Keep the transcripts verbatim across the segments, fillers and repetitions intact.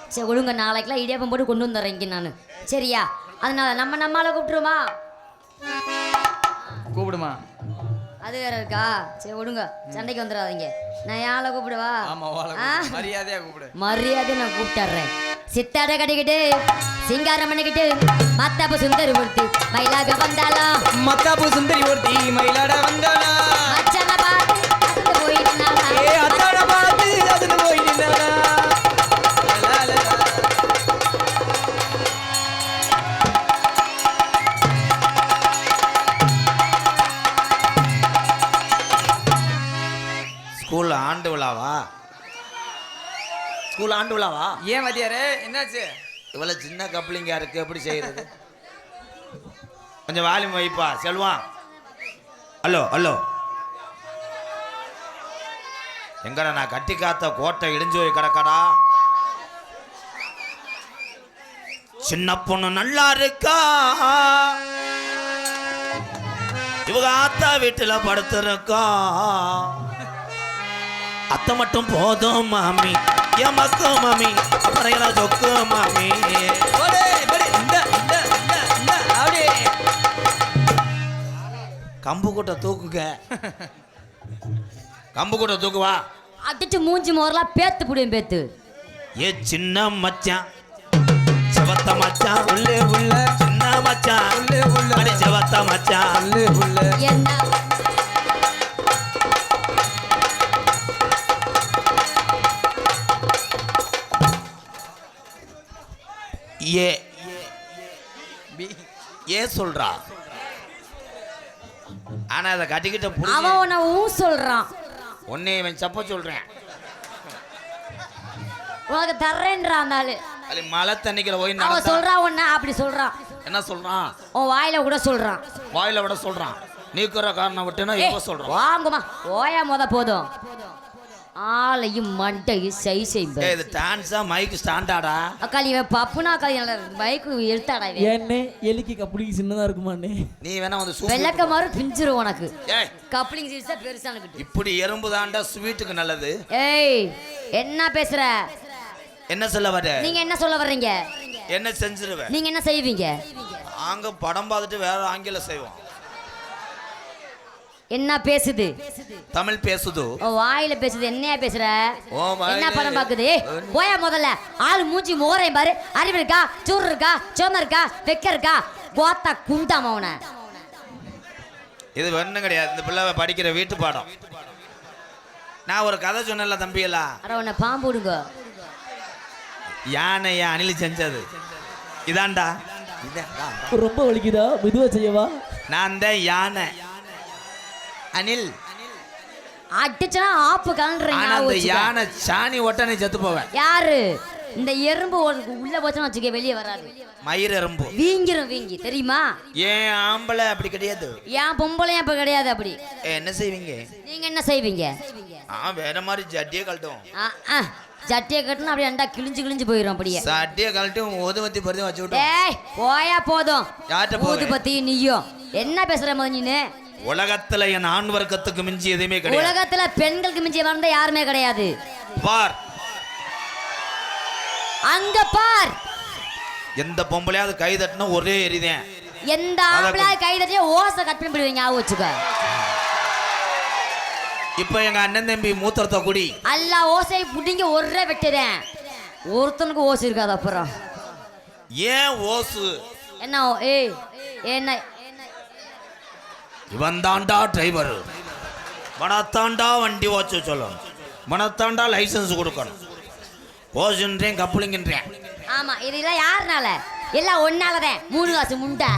சரி ஒழுங்க நாளைக்கெல்லாம் இடியாப்பம் போட்டு கொண்டு வந்துடுறேன் இங்கே நான். சரியா? அதனால நம்ம நம்மளால கூப்பிட்டுருமா? கூப்பிடுமா? அது வேற இருக்கா? சரி ஒழுங்க சண்டைக்கு வந்துடாதீங்க. நான் யாரை கூப்பிடுவா? மரியாதையா கூப்பிடு. மரியாதை நான் கூப்பிட்டுறேன். சித்தாட கட்டிக்கிட்டு சிங்காரம் பண்ணிக்கிட்டு மத்தாப்பு சுந்தரி ஒருத்தி மயிலாக வந்தாளா. மத்தாப்பு சுந்தரி ஒருத்தி மயிலாட வந்தாளா. மச்சான பார்த்து அசந்து போய் நின்னாளா. ஏ அத்தாட பார்த்து அசந்து போய் நின்னாளா. ஸ்கூல் ஆண்டு விழாவா? ஸ்கூல் ஆண்டு விழாவா? ஏன் மதியாரே என்னாச்சு? இவ்வளவு சின்ன கப்ளிங்கா இருக்கு, எப்படி செய்யறது? கொஞ்சம் வால்யூம் வைப்பா செல்வான். ஹலோ ஹலோ, எங்கடா நான் கட்டி காத்த கோட்டை இடிஞ்சு போய் கிடக்கடா. சின்ன பொண்ணு நல்லா இருக்கா, இவங்க ஆத்தா வீட்டுல படுத்திருக்கா. அத்தை மட்டும் போதும் மாமி, எமக்கு மாமி, அப்புறம் எல்லாம் சொக்கு மாமி. கம்பு கூட்ட தூக்குங்க, கம்பு கூட்ட தூக்குவா. அடிச்சு மூஞ்சி மோரெல்லாம் பேத்து புடியும் பேத்து. ஏ சின்ன மச்சான், செவத்த மச்சான், உள்ளே உள்ள சின்ன மச்சான், உள்ளே உள்ள அடி செவத்த மச்சான், உள்ளே உள்ள என்ன ஏ ஏ சொல்றா. ஆனா அதை கட்டிக்கிட்ட அவன் உன்னை ஊ சொல்றான். உன்னை இவன் சப்ப சொல்றேன். உனக்கு தர்றேன்றான் அந்த ஆளு. அது மழை தண்ணிக்கிற போய் அவன் சொல்றான் உன்னை அப்படி சொல்றான். என்ன சொல்றான்? உன் வாயில கூட சொல்றான். வாயில விட சொல்றான். நீக்குற காரணம் விட்டுனா இப்ப சொல்றான். வாங்குமா ஓயா மொத போதும். ஆளையும் மண்டையும் சை செய்யுங்க. இது டான்ஸா மைக் ஸ்டாண்டாடா? அக்காளி இவன் பப்புனா அக்காளி நல்ல மைக்கு எடுத்தாடா இவன். என்ன எலிக்கு கப்ளிங் சின்னதா இருக்குமாண்ணே? நீ வேணா வந்து சூப் வெள்ளக்க மாறு பிஞ்சிரும் உனக்கு. ஏய் கப்ளிங் சீஸா பெருசான கிட்ட. இப்படி எறும்பு தாண்டா ஸ்வீட்டுக்கு நல்லது. ஏய் என்ன பேசுற? என்ன சொல்ல வர? நீங்க என்ன சொல்ல வர்றீங்க? என்ன செஞ்சிருவேன்? நீங்க என்ன செய்வீங்க? நாங்க படம் பார்த்துட்டு வேற ஆங்கிலம் செய்வோம். என்ன பேசுது? தமிழ் பேசுது. ஓ வாயில பேசுது. என்னையா பேசுற? ஓ வாயில என்ன படம் பாக்குது? போயா முதல்ல. ஆளு மூஞ்சி மோரையும் பாரு. அறிவு இருக்கா? சூறு இருக்கா? சோம இருக்கா? வெக்க இருக்கா? கோத்தா குண்டாம அவன. இது ஒண்ணும் கிடையாது. இந்த பிள்ளை படிக்கிற வீட்டு பாடம். நான் ஒரு கதை சொன்னேன்ல தம்பியெல்லாம். அட உன்னை பாம்பு விடுங்க. யானைய அணில் செஞ்சது இதாண்டா. ரொம்ப வலிக்குதா? மெதுவா செய்யவா? நான் தான் யானை, அணில் அடிச்சனா ஆப்பு கலன்றீங்க. அந்த யானை சாணி ஒட்டனை செத்து போவேன். யாரு? இந்த எறும்பு உள்ள போச்சுன்னு வச்சுக்க வெளியே வராது. மயிர் எறும்பு வீங்கிரும் வீங்கி தெரியுமா? ஏன் ஆம்பளை அப்படி கிடையாது. ஏன் பொம்பளையும் அப்ப கிடையாது அப்படி. என்ன செய்வீங்க? நீங்க என்ன செய்வீங்க? ஆ வேற மாதிரி ஜட்டியை கழட்டும். சட்டியை கட்டினா அப்படியே அண்டா கிழிஞ்சு கிழிஞ்சு போயிடும். அப்படியே சட்டியை கழட்டும் ஊதுபத்தி பருத்தி வச்சு விட்டு. ஏய் போயா போதும். யார்கிட்ட ஊதுபத்தி நீயும் என்ன பேசுற மாதிரி நீனு? உலகத்துல என் ஆண் வர்க்கத்துக்கு மிஞ்சி எதுவுமே கிடையாது. உலகத்துல பெண்களுக்கு மிஞ்சி வந்தா யாருமே கிடையாது. பார் அங்க பார். எந்த பொம்பளையாவது கை தட்டினா ஒரே எரிதேன். எந்த ஆம்பளை கை தட்டியா ஓசை கட் பண்ணி போடுவீங்க. ஞாபகம் வச்சுக்க. இப்ப எங்க அண்ணன் தம்பி மூத்திரத்தை குடி. அல்ல ஓசை புடிங்க ஒரே வெட்டுறேன். ஒருத்தனுக்கு ஓசை இருக்காது. அப்புறம் ஏன் ஓசு? என்ன? ஏய் என்ன? இவன் தாண்டா டிரைவர், மனத்தாண்டா வண்டி ஓச்சு சொல்லணும், மனத்தாண்டா லைசன்ஸ் கொடுக்கணும். ஓசுன்றேன் கப்புளிங்கன்றேன். ஆமா இதெல்லாம் யாருனால? எல்லாம் ஒன்னாலதான். மூணு காசு முண்டா.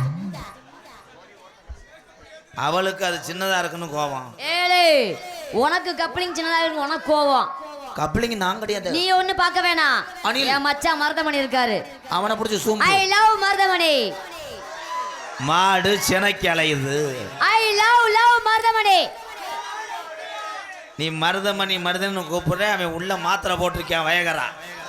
அவளுக்கு அது சின்னதா இருக்குன்னு கோவம். ஏழு உனக்கு கப்ளிங் சின்னதா இருக்கு, உனக்கு கோவம். கப்ளிங் நான் கிடையாது. நீ ஒண்ணு பார்க்க வேணாம். என் மச்சான் மருதமணி இருக்காரு. அவனை பிடிச்சி சூம். ஐ லவ் மருதமணி. மாடு செனைக்கு அலையுது. I love love Marudhamani. நீ மருதமணி மருதன்னு கூப்பிடுற, அவன் உள்ள மாத்திரை போட்டிருக்கான் வயகரா.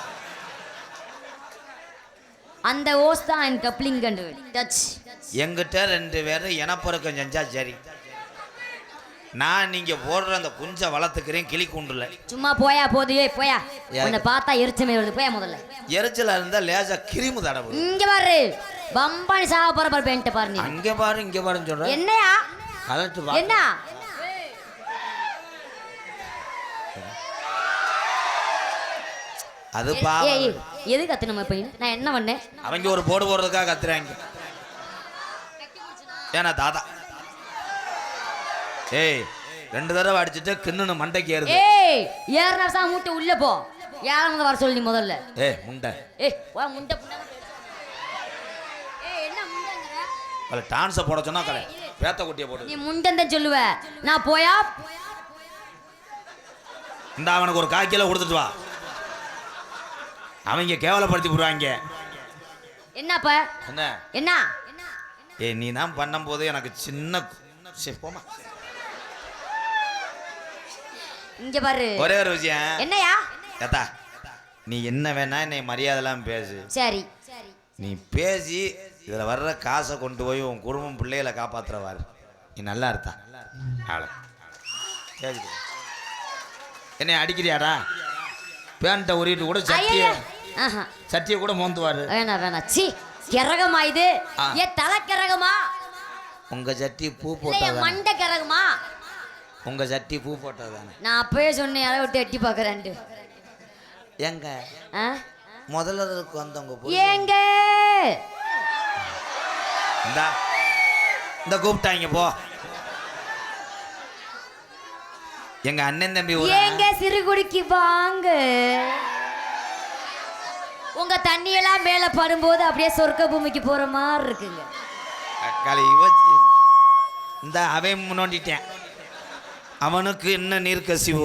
அந்த ஓஸ் தான் என் கப்ளிங் கண்டு டச். எங்கிட்ட ரெண்டு பேரும் இனப்பெருக்கம் செஞ்சா சரி. நான் நீங்க போடுற அந்த குஞ்ச வளர்த்துக்கிறேன் கிளி கூண்டுல. சும்மா போயா போது ஏய் போயா. யா- உன்னை பார்த்தா எரிச்சமே வருது போயா முதல்ல. எரிச்சலா இருந்தா லேசா கிரிமு தடவு. இங்க பாரு பம்பானி சாவ போற பாரு பேண்ட் பாரு நீ. அங்க பாரு இங்க பாருன்னு சொல்ற. என்னையா கலட்டு வா. என்ன அது ஏய், பா. ஏய் ஏய், எது கத்துனமா பையன் நான் என்ன பண்ணேன். அவங்க ஒரு போடு போடுறதுக்காக கத்துறாங்க. ஏன்னா தாத்தா ஏய் ரெண்டு தடவை அடிச்சுட்டு கிண்ணு மண்டைக்கு ஏறுது. ஏய் ஏறனா சா மூட்டை உள்ள போ. யார வந்து வர சொல்லி முதல்ல. ஏய் முண்டை. ஏய் வா முண்டை புண்டை. ஏய் என்ன முண்டங்கற? அவளை டான்ஸை போட சொன்னா கலை பேத்த குட்டியை போடு. நீ முண்டன்னு சொல்லுவ. நான் போயா இந்த அவனுக்கு ஒரு கால் கிலோ கொடுத்துட்டு வா. அவங்க கேவலப்படுத்தி போடுவாங்க. என்னப்பா என்ன என்ன ஏய் நீ தான் பண்ணும்போது எனக்கு சின்ன சரி, போமா. இங்க பாரு ஒரே ஒரு விஷயம். என்னையா ஏத்தா நீ என்ன வேணா என்னை மரியாதைலாம் பேசு. சரி நீ பேசி இதில் வர்ற காசை கொண்டு போய் உன் குடும்பம் பிள்ளைகளை காப்பாற்றுறவாரு. நீ நல்லா இருந்தா ஆள கேக்குது. என்னை அடிக்கிறியாடா? பேண்ட்டை உரிட்டு கூட சட்டியை ஆஹா சட்டியை கூட மோந்துவாரு. வேணா வேணா சி கிரகமா இது. ஆ. ஏ தலை கிரகமா உங்க சட்டி பூ இல்ல போட்டதானே? மண்டை கிரகமா? உங்க சட்டி பூ போட்டதானே? நான் அப்பவே சொன்னேன் அதை விட்டு எட்டி பார்க்கறேன்ட்டு. எங்க ஆ? முதல்வருக்கு வந்தவங்க போ. ஏங்க இந்தா இந்த கூப்பிட்டாங்க போ. எங்க அண்ணன் தம்பி ஊரா? ஏங்க சிறுகுடிக்கு வாங்க. உங்க தண்ணியெல்லாம் மேல படும்போது அப்படியே சொர்க்க பூமிக்கு போற மாதிரி இருக்குங்க. அக்காளி இவச்சி இந்த அவன் முன்னோண்டிட்டேன். அவனுக்கு என்ன நீர் கசிவோ.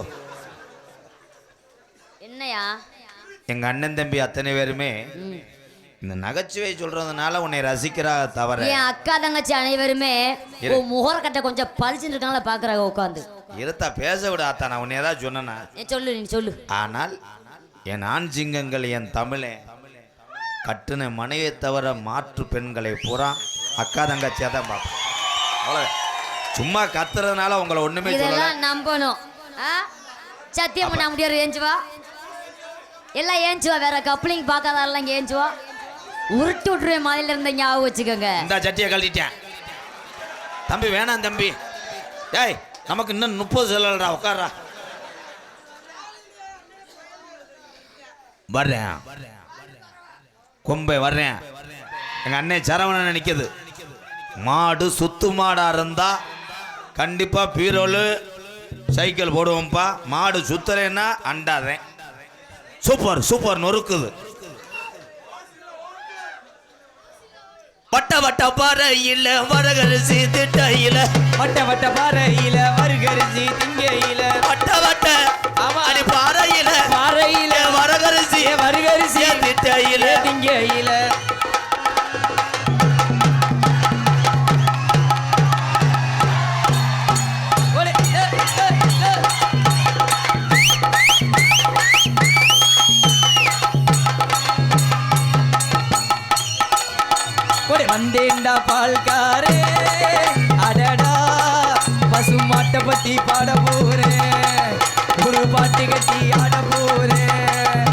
என்னையா எங்க அண்ணன் தம்பி அத்தனை பேருமே ம். இந்த நகைச்சுவை சொல்றதுனால உன்னை ரசிக்கிறா தவிர என் அக்கா தங்கச்சி அனைவருமே இரு. உன் முகரக்கட்டை கொஞ்சம் பளிச்சுன்னு இருக்காங்களா பாக்குறாங்க உட்காந்து. இருத்தா பேச விட ஆத்தா. நான் உன்னை ஏதாவது சொன்னேனா? நீ சொல்லு நீ சொல்லு. ஆனால் என் ஆண் சிங்கங்கள் என் தமிழே கட்டுன மனைவியை தவிர மாற்று பெண்களை பூரா அக்கா தங்கச்சியாக தான் பார்ப்பேன். அவ்வளோ சும்மா கத்துறதுனால உங்களை ஒண்ணுமே சொல்லல. இதெல்லாம் நம்பணும். ஆ? சத்தியம் பண்ண முடியாது. ஏஞ்சுவா எல்லாம் ஏஞ்சுவா. வேற கப்ளிங் பார்க்காதாலாம் இங்கே ஏஞ்சுவா. உருட்டு விட்டுருவேன் மாதிரில இருந்த ஞாபகம் வச்சுக்கோங்க. இந்த சட்டியை கழட்டிட்டேன் தம்பி. வேணாம் தம்பி. டேய் நமக்கு இன்னும் முப்பது செல்லடா. உட்கார்றா. வர்றேன் கொம்பை வர்றேன். எங்க அண்ணன் சரவணன் நிற்குது. மாடு சுத்து மாடா இருந்தா கண்டிப்பா பீரோலு சைக்கிள் போடுவோம்ப்பா. மாடு சுத்தலைன்னா அண்டாதேன். Super super நொறுக்குது. வட்ட வட்ட பாறையில வரகரிசி திட்டையில வட்ட வட்ட பாறையில வருகரிசி திங்கையில வட்ட வட்ட அடி பாறையில பாறையில வரகரிசி வருகரிசி திட்டையில திங்கையில வந்தேண்டா பால்காரே அடடா பசு மாட்டை பத்தி பாட போறேன். ஒரு பாட்டு கட்டி ஆட போறேன்.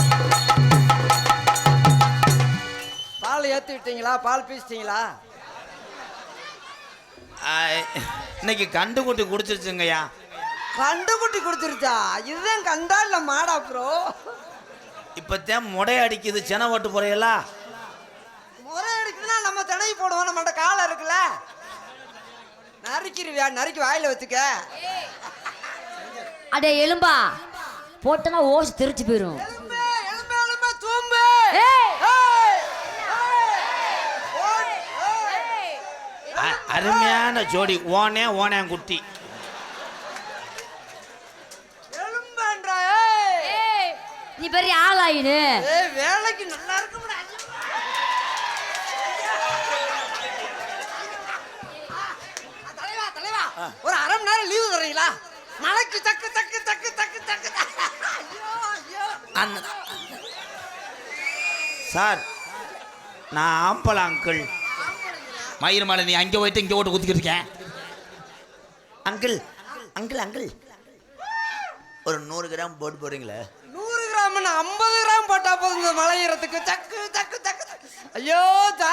பால் ஏற்றி விட்டீங்களா? பால் பீச்சிட்டீங்களா? இன்னைக்கு கண்டு குட்டி குடிச்சிருச்சுங்கய்யா. கண்டு குட்டி கொடுத்துருச்சா? இதுதான் கண்டா இல்ல மாடா ப்ரோ? இப்பத்தான் முடை அடிக்குது. சென ஓட்டு போறையலா முறை எடுக்குதுன்னா நம்ம திணைக்கு போடுவோம். நம்மகிட்ட காலம் இருக்குல்ல. நறுக்கிருவியா? நறுக்கி வாயில வச்சுக்க. அடே எலும்பா போட்டனா ஓசி தெரிச்சு போயிரும். எலும்பு, எலும்பு, எலும்பு, தூம்பு. ஏய்! ஏய்! ஏய்! ஓட், ஏய்! அ- அருமையான ஜோடி. ஓனே ஓனே குட்டி. எலும்புன்றா, ஏய்! ஏய், நீ பெரிய ஆளாயினு. ஏய், வேலைக்கு நல்லா இருக்கும்டா. தலைவா, தலைவா, ஒரு அரை மணி நேரம் லீவு தர்றீங்களா? மலைக்கு தக்கு தக்கு தக்கு தக்கு தக்கு. ஐயோ, ஐயோ. அந்த- சார் நான் ஆம்பளை அங்கிள். மயிர் மலை நீ அங்கே போயிட்டு இங்கே ஓட்டு குத்திக்கிட்டு இருக்கேன். அங்கிள் அங்கிள் அங்கிள் ஒரு நூறு கிராம் போட்டு போடுறீங்களே. நூறு கிராம் ஐம்பது கிராம் போட்டா போதும் இந்த மலை ஏறத்துக்கு. சக்கு சக்கு சக்கு சக்கு. ஐயோ ஜா